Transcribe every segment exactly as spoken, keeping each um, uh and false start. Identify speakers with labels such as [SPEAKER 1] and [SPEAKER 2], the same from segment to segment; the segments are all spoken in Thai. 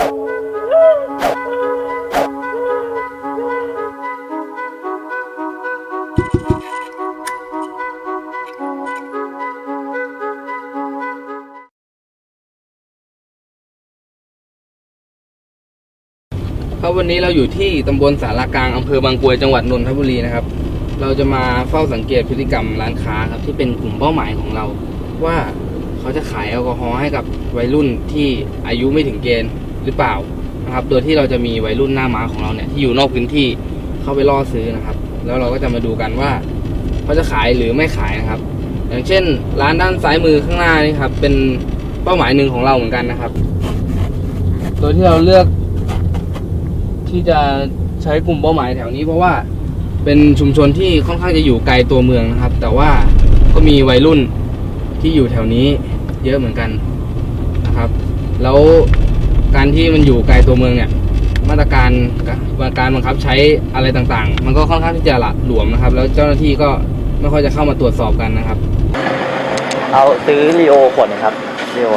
[SPEAKER 1] ครับวันนี้เราอยู่ที่ตำบลสารกลางอำเภอบางกรวยจังหวัดนนทบุรีนะครับเราจะมาเฝ้าสังเกตพฤติกรรมร้านค้าครับที่เป็นกลุ่มเป้าหมายของเราว่าเขาจะขายแอลกอฮอล์ให้กับวัยรุ่นที่อายุไม่ถึงเกณฑ์หรือเปล่านะครับโดยที่เราจะมีวัยรุ่นหน้าม้าของเราเนี่ยที่อยู่นอกพื้นที่เข้าไปล่อซื้อนะครับแล้วเราก็จะมาดูกันว่าเขาจะขายหรือไม่ขายนะครับอย่างเช่นร้านด้านซ้ายมือข้างหน้านี่ครับเป็นเป้าหมายหนึ่งของเราเหมือนกันนะครับโดยที่เราเลือกที่จะใช้กลุ่มเป้าหมายแถวนี้เพราะว่าเป็นชุมชนที่ค่อนข้างจะอยู่ไกลตัวเมืองนะครับแต่ว่าก็มีวัยรุ่นที่อยู่แถวนี้เยอะเหมือนกันนะครับแล้วการที่มันอยู่ไกลตัวเมืองเนี่ยมาตรการการบังคับใช้อะไรต่างๆมันก็ค่อนข้างที่จะหละหลวมนะครับแล้วเจ้าหน้าที่ก็ไม่ค่อยจะเข้ามาตรวจสอบกันนะครับ
[SPEAKER 2] เอาซื้อลีโอขวดนึงครับลีโอ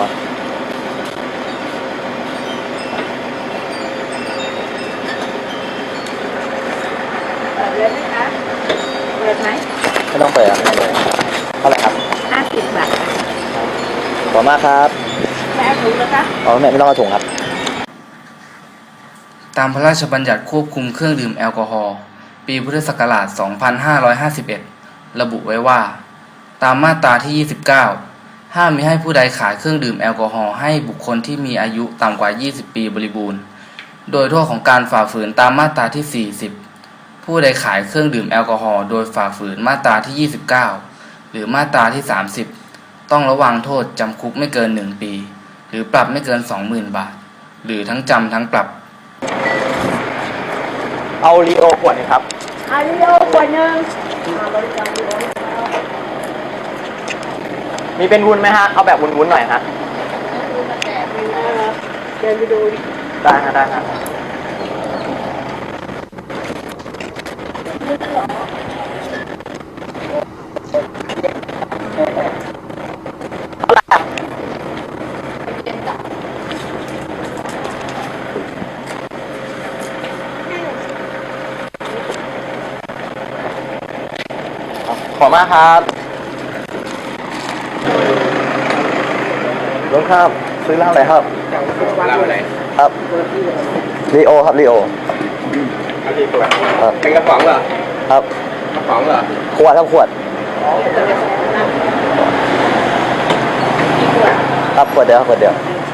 [SPEAKER 3] เปิดไหมคะเปิดไหม
[SPEAKER 2] ไม่ต้องเปิดครับไม่ต้องเปิดเท่าไหร่ครับ
[SPEAKER 3] ห้าสิบบาท
[SPEAKER 2] ขอบมากครับ
[SPEAKER 3] แม่ถุงนะคะ
[SPEAKER 2] อ๋อไม่ไม่ต้องเอาถุงครับ
[SPEAKER 1] ตามพระราชบัญญัติควบคุมเครื่องดื่มแอลกอฮอล์ปีพุทธศักราชสองพันห้าร้อยห้าสิบเอ็ดระบุไว้ว่าตามมาตราที่ยี่สิบเก้าห้ามมิให้ผู้ใดขายเครื่องดื่มแอลกอฮอล์ให้บุคคลที่มีอายุต่ำกว่ายี่สิบปีบริบูรณ์โดยโทษของการฝ่าฝืนตามมาตราที่สี่สิบผู้ใดขายเครื่องดื่มแอลกอฮอล์โดยฝ่าฝืนมาตราที่ยี่สิบเก้าหรือมาตราที่สามสิบต้องระวางโทษจำคุกไม่เกินหนึ่งปีหรือปรับไม่เกิน สองหมื่น บาทหรือทั้งจำทั้งปรับ
[SPEAKER 2] เอาลีโอขวดนึงครับ
[SPEAKER 3] เอาลีโอขวดนึง
[SPEAKER 2] มีเป็นวุ้นไหมฮะเอาแบบวุ้นๆหน่อยฮะ
[SPEAKER 3] เดินไปดู
[SPEAKER 2] ได้ฮะได้ฮะขอบมากครับลุงครับซื้อเหล้าอะไรครับ
[SPEAKER 1] เหล้าอะไร
[SPEAKER 2] ครับลีโอครับลีโอ
[SPEAKER 1] ครับเป็นกระป๋องเหรอ
[SPEAKER 2] ครับ
[SPEAKER 1] กระป๋องเหรอ
[SPEAKER 2] ขวดทั้งขวดครับขวดเดียวขวดเดียว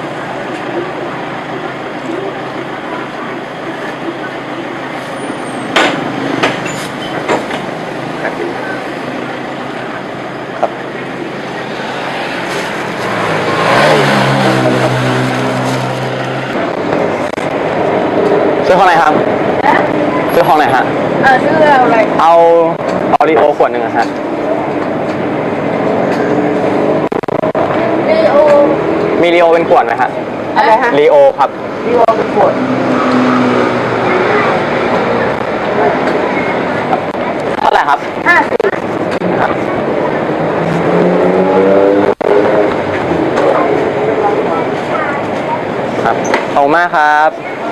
[SPEAKER 2] ซื้อห้องไหนครับซื้อห้องไหนฮะ
[SPEAKER 3] เออซื้ออะไร
[SPEAKER 2] เอาเอาลีโอขวดหนึ่งฮะ
[SPEAKER 3] ลีโอ
[SPEAKER 2] มีลีโอเป็นขวดไหมฮะ
[SPEAKER 3] อะไรฮะ
[SPEAKER 2] ลีโอครับ
[SPEAKER 3] ลีโอเป็นขวด
[SPEAKER 2] เท่าไหร่ครับ
[SPEAKER 3] ห้าสิบ
[SPEAKER 2] ครับขอบคุณมากครับ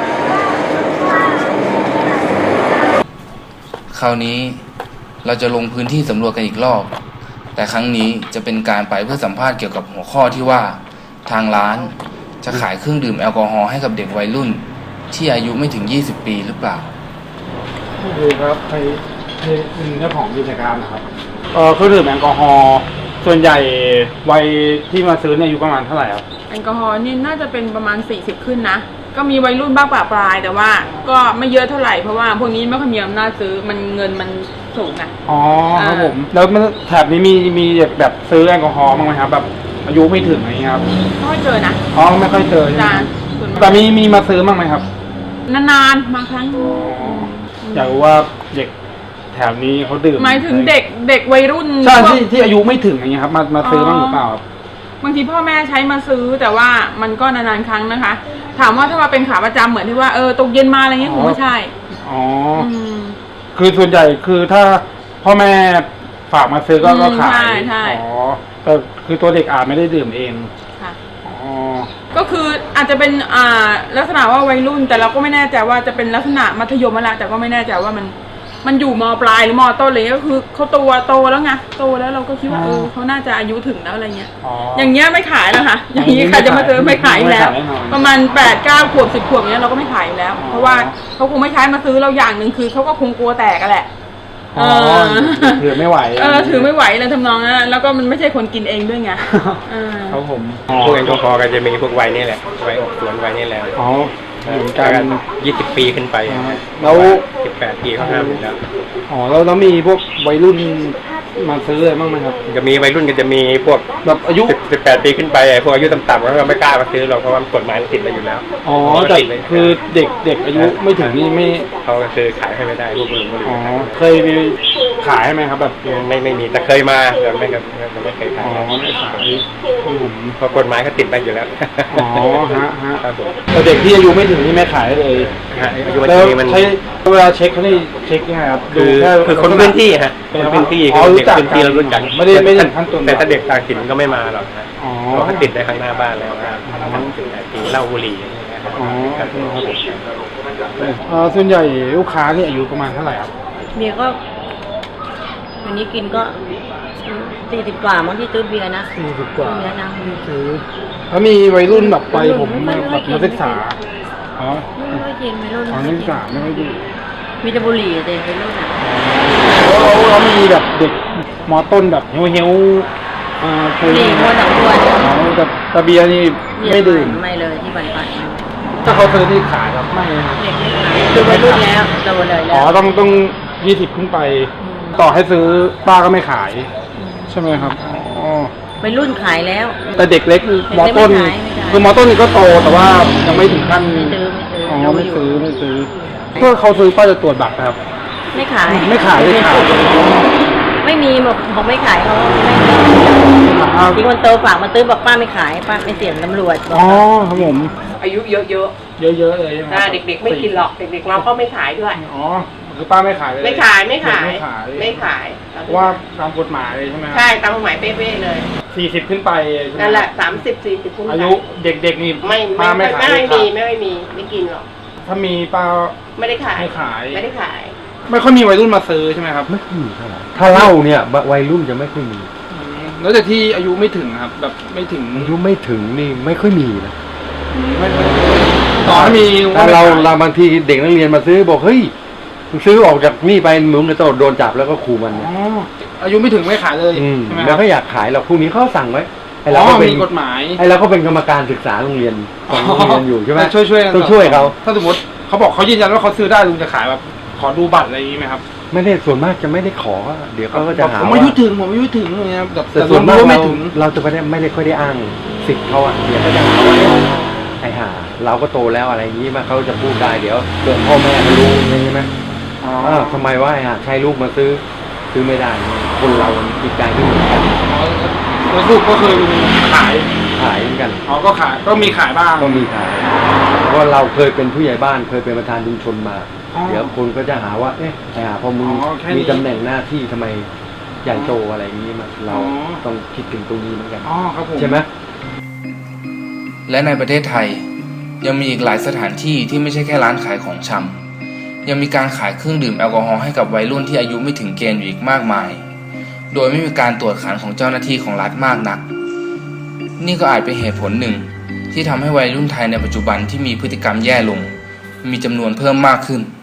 [SPEAKER 1] คราวนี้เราจะลงพื้นที่สำรวจกันอีกรอบแต่ครั้งนี้จะเป็นการไปเพื่อสัมภาษณ์เกี่ยวกับหัวข้อที่ว่าทางร้านจะขายเครื่องดื่มแอลกอฮอล์ให้กับเด็กวัยรุ่นที่อายุไม่ถึงยี่สิบปีหรือเปล่า
[SPEAKER 4] คือครับใครเป็นเจ้าของกิจการนะครับเออเครื่องดื่มแอลกอฮอล์ส่วนใหญ่วัยที่มาซื้อเนี่ยอายุประมาณเท่าไหร่ครับ
[SPEAKER 5] แอลกอฮอล์นี่น่าจะเป็นประมาณสี่สิบขึ้นนะก็มีวัยรุ่นบ้างปะปลายแต่ว่าก็ไม่เยอะเท่าไหร่เพราะว่าพวกนี้ไม่ค่อยมีอำนาจซื้อมันเงินมันสูงอ่ะ
[SPEAKER 4] อ๋อครับผมแล้วแถบนี้มีมีแบบซื้อแอลกอฮอล์บ้างไหมครับแบบอายุไม่ถึงอะไรเงี้ยครับ
[SPEAKER 5] ไม่ค่อยเจอนะ
[SPEAKER 4] อ๋อไม่ค่อยเจอแต่มีมีมาซื้อบ้างไหมครับ
[SPEAKER 5] นานๆมาครั้ง
[SPEAKER 4] อยากรู้ว่าเด็กแถบนี้เขาดื่ม
[SPEAKER 5] หมายถึงเด็กเด็กวัยรุ่น
[SPEAKER 4] ใช่ที่ที่อายุไม่ถึงอย่างเงี้ยครับมามาซื้อบ้างหรือเปล่า
[SPEAKER 5] บางทีพ่อแม่ใช้มาซื้อแต่ว่ามันก็นานๆครั้งนะคะถามว่าถ้ามาเป็นขาประจำเหมือนที่ว่าเออตกเย็นมาอะไรเงี้ยคงไม่ใช่
[SPEAKER 4] อ๋อคือส่วนใหญ่คือถ้าพ่อแม่ฝากมาซื้อก็ก็ขาย
[SPEAKER 5] ใช่ใช่
[SPEAKER 4] อ๋อแต่คือตัวเด็กอาจไม่ได้ดื่มเอง
[SPEAKER 5] ค่ะ
[SPEAKER 4] อ๋อ
[SPEAKER 5] ก็คืออาจจะเป็นอ่าลักษณะว่าวัยรุ่น แต่เราก็ไม่แน่ใจว่าจะเป็นลักษณะมัธยมอะไรแต่ก็ไม่แน่ใจว่ามันมันอยู่มปลายหรือมต้นเลยก็คือเขาโตโตแล้วไงโตแล้วเราก็คิดว่าเออเขาน่าจะอายุถึงแล้วอะไรเงี้ย
[SPEAKER 4] อ๋อ
[SPEAKER 5] อย่างเงี้ยไม่ขายแล้วค่ะอย่างนี้ใครจะมาซื้อไม่ขายอยู่แล้ว ประมาณแปดเก้าขวบสิบขวบเนี้ยเราก็ไม่ขายอยู่แล้ว เพราะว่าเขาคงไม่ใช้มาซื้อเราอย่างหนึ่งคือเขาก็คงกลัวแตกกันแหละ
[SPEAKER 4] อ๋อถือไม่ไหว
[SPEAKER 5] เออถือไม่ไหวเลยทำนองนั้นแล้วก็มันไม่ใช่คนกินเองด้วยไงเออ
[SPEAKER 4] ครับผม
[SPEAKER 6] พวกแอลกอฮอล์ก็จะมีพวกไวน์นี่แหละไวน์ออกสวนไวน์นี่แหละ
[SPEAKER 4] อ๋อเหมือนกัน
[SPEAKER 6] ยี่สิบปีขึ้นไป
[SPEAKER 4] แล้ว
[SPEAKER 6] สิบแปดปีเขาห้ามอยู่แล้ว
[SPEAKER 4] อ๋อแล้วแล้วมีพวกวัยรุ่นมาซื้ออะไรบ้างไหมครับ
[SPEAKER 6] จะมีวัยรุ่นก็จะมีพวก
[SPEAKER 4] แบบอายุ
[SPEAKER 6] สิบแปดปีขึ้นไปพวกอายุต่ำๆก็ไม่กล้ามาซื้อหรอกเพราะว่ากฎหมายมันติดไปอยู่แล้ว
[SPEAKER 4] อ๋อแต่คือเด็กเด็กอายุไม่ถึงนี่ไม่
[SPEAKER 6] เขาก็คือขายให้ไม่ได้พวกลุงก็เลย
[SPEAKER 4] อ๋อเคยมีขายไหมครับแบบ
[SPEAKER 6] ไม่ไม่มีแต่เคยมาแต่ไม่ครับไม่เคย
[SPEAKER 4] อ๋
[SPEAKER 6] ขาย
[SPEAKER 4] อไม่ขายผม
[SPEAKER 6] เพราะกฎหมายเขาติดไปอยู่แล้ว
[SPEAKER 4] อ๋อฮะฮะ
[SPEAKER 6] ครับผม
[SPEAKER 4] แต่เด็กที่อายุไม่ถึงนี่ไม่ขายเลย
[SPEAKER 6] อายุวัน
[SPEAKER 4] แล้ว
[SPEAKER 6] นี้มัน
[SPEAKER 4] ใช้เวลาเช็คเขานี่เช็คยังไงครับ
[SPEAKER 6] คือ
[SPEAKER 4] ดูแ
[SPEAKER 6] คือคนพื้นที่ฮะคนพื้นที่
[SPEAKER 4] อ๋อ
[SPEAKER 6] คือ
[SPEAKER 4] รู้
[SPEAKER 6] เด็ก
[SPEAKER 4] จัก
[SPEAKER 6] พื้นที่เรารู้จัก
[SPEAKER 4] ไม่ได้ไม่ได้ถึงขั้นตอน
[SPEAKER 6] แต่ถ้าเด็กต่างถิ่นก็ไม่มาหรอกฮะ
[SPEAKER 4] อ๋อ
[SPEAKER 6] เพราะเขาติดได้ข้างหน้าบ้านแล้วนะมันถึงไอ้ที่เหล้าบุหรี่อย่างเงี้ยครับ
[SPEAKER 4] อ๋อ
[SPEAKER 6] ครับ
[SPEAKER 4] เอ่อส่วนใหญ่ลูกค้านี่อายุประมาณเท่าไหร่ครับ
[SPEAKER 3] เบียร์ก็วันนี้กินก็สี่สิบกว่ามั้งที่ซื้อเบียร์นะ
[SPEAKER 4] สี่สิบกว่า
[SPEAKER 3] เบียร์นะ
[SPEAKER 4] ซื้อแล้วมีวัยรุ่นแบบไปผมแบบนักศึกษาอ๋อ
[SPEAKER 3] ไม่ค่อยกินไม่รู้
[SPEAKER 4] อ๋อนักศึกษาไม่ค่อยดี
[SPEAKER 3] มีแต่บุหรี่แต่เป็นรุ่นอ่ะ
[SPEAKER 4] แล้วแล้วแล้วมีแบบเด็กมอต้นแบบเฮี้ยวเฮี้ยวๆอ่า
[SPEAKER 3] บุหรี่มัวสองตัวเนี่ย
[SPEAKER 4] อ๋อแต่แต่เบียร์นี่ไม่ดื่ม
[SPEAKER 3] ไม่เลยที่บันปัด
[SPEAKER 4] ถ้าเขาซื้อนี่ขายครับไม่นะครับ
[SPEAKER 3] เด็กไม่ขายคือวัยรุ่นแล้วโตเลยแล้
[SPEAKER 4] อ๋อ
[SPEAKER 3] ว
[SPEAKER 4] ต้องต้องยี่สิบขึ้นไป ต่อให้ซื้อป้าก็ไม่ขาย ใช่ไหมครับอ๋อ
[SPEAKER 3] วัยรุ่นขายแล้ว
[SPEAKER 4] แต่เด็กเล็กมอต้น
[SPEAKER 3] ไม่ขายไม่ขาย
[SPEAKER 4] คือมอต้นนี่ก็โตแต่ว่ายังไม่ถึงขั้น
[SPEAKER 3] ไม่ซื้อไม่ซื้อ
[SPEAKER 4] อ๋อ
[SPEAKER 3] เรา
[SPEAKER 4] ไม่
[SPEAKER 3] อยู่
[SPEAKER 4] ซื้อไม่ซื้อเพื่อเขาซื้อป้าจะตรวจบัตรนะครับ
[SPEAKER 3] ไม่ขาย
[SPEAKER 4] ไม่ขายไม่ขาย
[SPEAKER 3] ไม่มีบอกบอกไม่ขายเขาไม่มี
[SPEAKER 4] อ่า
[SPEAKER 3] ที่คนโตฝากมาซื้อบอกป้าไม่ขายป้าไม่เสี่ยงตำรวจบอก
[SPEAKER 4] อ๋อครับผม
[SPEAKER 5] อายุเยอะ
[SPEAKER 4] เยอะๆเลยใช่ไหม
[SPEAKER 5] ๆอ่าเด็กๆไม่กินหรอกเด็กๆเราก็ไม่ขายด้วย
[SPEAKER 4] อ๋อคือป้าไม่ขายเลย
[SPEAKER 5] ไม่ขายไม่ขาย
[SPEAKER 4] ไม่ขาย
[SPEAKER 5] ไม่ขาย
[SPEAKER 4] เพราะว่าตามกฎหมายเลยใช่ไหมครับ
[SPEAKER 5] ใช่ตามกฎหมายเป๊ะๆเลย
[SPEAKER 4] สี่สิบขึ้นไปใช่ไหม
[SPEAKER 5] นั่นแหละสามสิบสี่สิบขึ้นไป
[SPEAKER 4] อายุเด็กๆนี่
[SPEAKER 5] ไม่
[SPEAKER 4] ป้า
[SPEAKER 5] ไม่
[SPEAKER 4] ไม่
[SPEAKER 5] ไม่
[SPEAKER 4] ขาย
[SPEAKER 5] ไม่มีไม่ไม่มีไม่กินหรอก
[SPEAKER 4] ถ้ามีป้า
[SPEAKER 5] ไม่ได้ขาย
[SPEAKER 4] ไม่ขาย
[SPEAKER 5] ไม่ได้ขาย
[SPEAKER 4] ไม่ค่อยมีวัยรุ่นมาซื้อใช่ไหมครับ
[SPEAKER 2] ไม่ค่อยมีเท่าไหร่ถ้าเหล้าเนี่ยวัยรุ่นจะไม่ค่อยมี
[SPEAKER 4] อืมแล้วแต่ที่อายุไม่ถึงครับ แบบไม่ถึง
[SPEAKER 2] อายุไม่ถึงนี่ไม่ค่อยมีนะ
[SPEAKER 4] ไม่ไม่ต่อให้มี
[SPEAKER 2] ถ้าเรา
[SPEAKER 4] ไม่ขย
[SPEAKER 2] เราบางทีเด็กนักเรียนมาซื้อบอกเฮ้ยมึงซื้อออกจากนี่ไปมึงจะต้องโดนจับแล้วก็ขู่มัน
[SPEAKER 4] อ๋
[SPEAKER 2] นะ
[SPEAKER 4] ออายุไม่ถึงไม่ขายเลย
[SPEAKER 2] อืม
[SPEAKER 4] ใช่ไหมค
[SPEAKER 2] แล้
[SPEAKER 4] รั
[SPEAKER 2] ว
[SPEAKER 4] บ
[SPEAKER 2] ก็อยากขายเราพรุ่งนี้เขาสั่งไว้ไอ้
[SPEAKER 4] อ๋
[SPEAKER 2] เรา
[SPEAKER 4] อ
[SPEAKER 2] ก็เป็น
[SPEAKER 4] มีกฎหมาย
[SPEAKER 2] ไอ้เราก็เป็นกรรมการศึกษาโรงเรียนของโรงเรียนอยู่ใช่ไหม
[SPEAKER 4] ช่วยช่วยๆกัน
[SPEAKER 2] ต้องช่วยเขา
[SPEAKER 4] ถ้าสมมติเขาบอกเขายืนยันว่าเขาซื้อได้ลุงจะขายแบบขอดูบัตรอะไรอย่างนี้ไหมครับ
[SPEAKER 2] ไม่ได้ส่วนมากจะไม่ได้ขอ เดี๋ยวเขาก็จะหา
[SPEAKER 4] ผม
[SPEAKER 2] ว่า
[SPEAKER 4] อายุถึงผมอายุถึงอย่างเงี้ยแบบ
[SPEAKER 2] แต่
[SPEAKER 4] แต่
[SPEAKER 2] ส่วนมาก
[SPEAKER 4] รู้ว่า
[SPEAKER 2] เรา
[SPEAKER 4] ไม่ถึง
[SPEAKER 2] เราจะไม่ได้ไม่ได้ค่อยได้อ้างสิทธิ์เขาอะเดี๋ยวก็จะหาว่าไอ้ห่าเราก็โตแล้วอะไรอย่างนี้มาเขาจะพูดได้เดี๋ยวเกิดพ่อแม่เขารู้ใช่ไหม
[SPEAKER 4] อ๋อ
[SPEAKER 2] อ้าวทำไมว่าไอ้ห่าใช้ลูกมาซื้อซื้อไม่ได้คนเราจิตใจไม่เหมือนกัน
[SPEAKER 4] แล้วลูกก็คือลุงขาย
[SPEAKER 2] ขายเหมือนกัน
[SPEAKER 4] อ๋อก็ขายก็มีขายบ้าง
[SPEAKER 2] ก็มีขายเพราะเราเคยเป็นผู้ใหญ่บ้านเคยเป็นประธานชุมชนมา
[SPEAKER 4] อ๋อ
[SPEAKER 2] เดี๋ยวคนก็จะหาว่า เอ๊ะไอ้ห่าพอมึง
[SPEAKER 4] อ๋อแค่นี้
[SPEAKER 2] มีตำแหน่งหน้าที่ทำไมใหญ่โตอะไรอย่างนี้มาเรา
[SPEAKER 4] อ๋อ
[SPEAKER 2] ต้องคิดถึงตรงนี้เหมือนกัน
[SPEAKER 4] อ๋อครับผม
[SPEAKER 2] ใช่ไหม
[SPEAKER 1] และในประเทศไทยยังมีอีกหลายสถานที่ที่ไม่ใช่แค่ร้านขายของชำยังมีการขายเครื่องดื่มแอลกอฮอล์ให้กับวัยรุ่นที่อายุไม่ถึงเกณฑ์อยู่อีกมากมาย โดยไม่มีการตรวจขันของเจ้าหน้าที่ของรัฐมากนัก นี่ก็อาจเป็นเหตุผลหนึ่งที่ทำให้วัยรุ่นไทยในปัจจุบันที่มีพฤติกรรมแย่ลงมีจำนวนเพิ่มมากขึ้น